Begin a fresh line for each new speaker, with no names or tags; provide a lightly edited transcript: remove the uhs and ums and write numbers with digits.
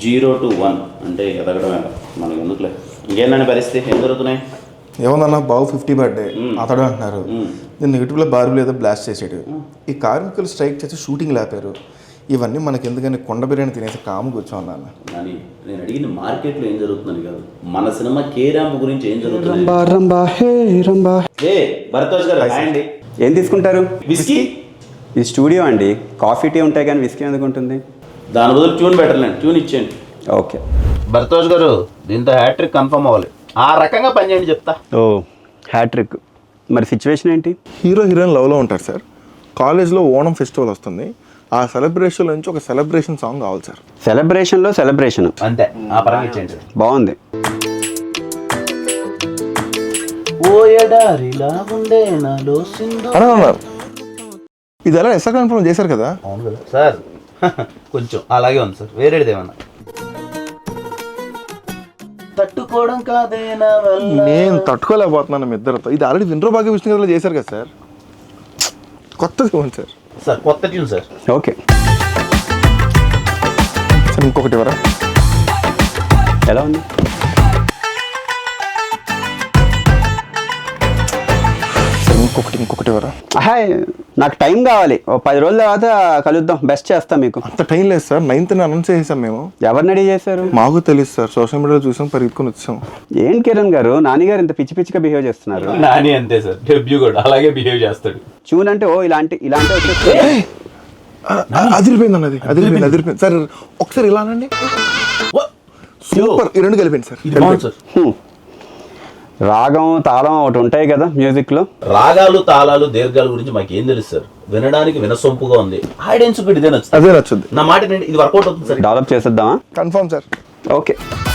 0 to 1 అంటే ఎదగడమే మనకి ఎందుకులే. ఇంకేంటండి పరిస్థితి, ఏం జరుగుతున్నాయి?
ఏమన్నా బాబు 50 బర్త్డే అతడు అంటున్నారు. నేను నెగిటివ్లో బార్బీలు ఏదో బ్లాస్ట్ చేసాడు. ఈ కార్మికులు స్ట్రైక్ చేసి షూటింగ్ లేపారు. ఇవన్నీ మనకి ఎందుకని కొండ బిర్యానీ తినేసి కాము కూర్చోన్నాను.
కానీ నేను అడిగింది మార్కెట్లో ఏం జరుగుతుందని కాదు, మన సినిమా కే ర్యాంప్ గురించి ఏం జరుగుతుంది. భరద్వాజ్ గారు అండి,
ఏం తీసుకుంటారు?
విస్కీ.
ఇది స్టూడియో అండి, కాఫీ టీ ఉంటాయి కానీ విస్కీ ఎందుకు ఉంటుంది?
దాని బదులు ట్యూన్ బెటర్లేండి, ట్యూన్ ఇచ్చేయండి.
ఓకే
భరద్వాజ్ గారు, దీంతో హ్యాట్రిక్ కన్ఫర్మ్ అవ్వాలి. ఆ రకంగా పనిచేయండి చెప్తా.
ఓ హ్యాట్రిక్. మరి సిచ్యువేషన్ ఏంటి?
హీరో హీరోయిన్ లవ్లో ఉంటారు సార్. కాలేజ్లో ఓణం ఫెస్టివల్ వస్తుంది. ఆ సెలబ్రేషన్ నుంచి ఒక సెలబ్రేషన్ సాంగ్ కావాలి సార్.
సెలబ్రేషన్లో సెలబ్రేషన్
అంతే, ఆ పరంగా ఇచ్చేయండి.
బాగుంది.
అన్నారు ఇది ఎలా ఎస్ఆర్ కన్ఫర్మ్ చేశారు కదా?
అవును కదా సార్. కొంచెం అలాగే ఉంది సార్, వేరేది ఏమన్నా తట్టుకోవడం కాదేనా?
నేను తట్టుకోలేకపోతున్నాను మీ ఇద్దరితో. ఇది ఆల్రెడీ వినరో భాగ్య విష్ణు గారు చేశారు కదా సార్. కొత్తది ఇవ్వండి సార్.
సార్ కొత్త ట్యూన్ సార్.
ఓకే
సార్ ఇంకొకటి ఇవ్వరా?
ఎలా ఉంది?
సార్ ఇంకొకటి ఇవ్వరా?
హాయ్, నాకు టైం కావాలి. ఓ 10 రోజుల తర్వాత కలుద్దాం, బెస్ట్ చేస్తాం మీకు.
అంత టైం లేదు సార్. 9th అనౌన్స్ చేసాం మేము.
ఎవరిని రెడీ చేశారు?
మాకు తెలియదు సార్, సోషల్ మీడియాలో చూసాం, పరిగెత్తుకుని వచ్చాం.
ఏం కిరణ్ గారు, నానిగారు ఇంత పిచ్చి పిచ్చిగా బిహేవ్ చేస్తున్నారు.
నాని అంతే సార్, డెబ్యూ కూడా అలాగే బిహేవ్ చేస్తాడు.
చూన్ అంటే ఓ ఇలాంటి వచ్చేసి
అదిరిపోయింది అన్నది, అదిరిపోయింది సార్. ఒకసారి ఇలా అనండి. సూపర్. ఈ రెండు కలిపింది సార్.
రాగం తాళం ఒకటి ఉంటాయి కదా మ్యూజిక్ లో.
రాగాలు తాళాలు దీర్ఘాల గురించి మాకు ఏం తెలుసు సార్. వినడానికి వినసొంపుగా ఉంది, ఆడియన్స్ ఇదే నచ్చుతుంది.
అదే నచ్చుద్ది.
నా మాట ఇది వర్కౌట్ అవుతుంది సార్.
డెవలప్ చేసేద్దామా?
Confirm sir.
ఓకే.